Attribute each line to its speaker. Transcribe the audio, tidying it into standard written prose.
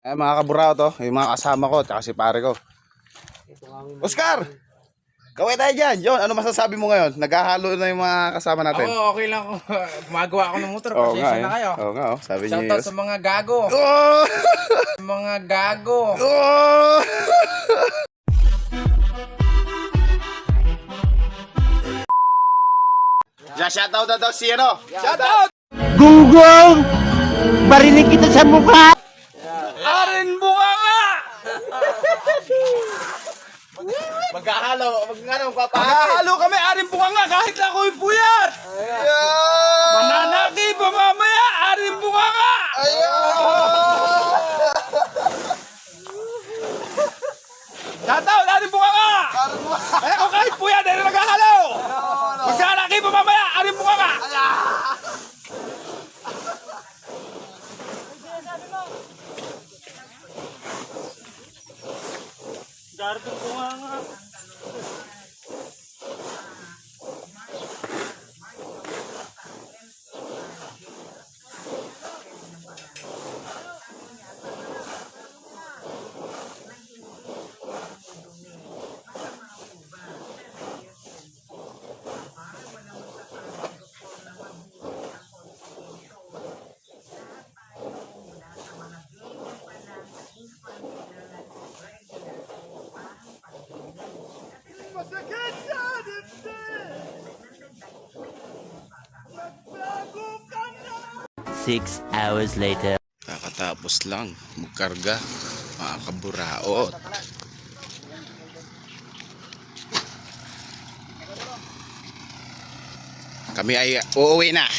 Speaker 1: Mga kaburao to, yung mga kasama ko, tsaka si pare ko. Oscar! Kaway tayo dyan. Yon, ano masasabi mo ngayon? Naghahalo na yung mga kasama natin.
Speaker 2: Oo, okay lang ako. Gumagawa ako ng motor.
Speaker 1: Oo nga
Speaker 2: Pasensya na kayo.
Speaker 1: Oo nga sabi niyo.
Speaker 2: Shoutout sa mga gago.
Speaker 1: Oh!
Speaker 2: Mga gago.
Speaker 1: Oh! Shoutout na daw si ano? Shoutout!
Speaker 3: Gunggong! Barinig kita sa mukha!
Speaker 2: Arin bunga nga! Maghahalo kami, arin bunga nga kahit lang ako'y puyat! Mananaki pa mamaya, arin bunga nga! Shoutout, arin bunga nga! Ay ako kahit puyat, ay naghahalo! Magnanaki pa mamaya, arin bunga nga! Gardo bunga nga. Masakit sa dibdib. Nagbago ka na.
Speaker 3: 6 hours later.
Speaker 1: Kakatapos lang magkarga, mga kaburaot. Kami ay uuwi na.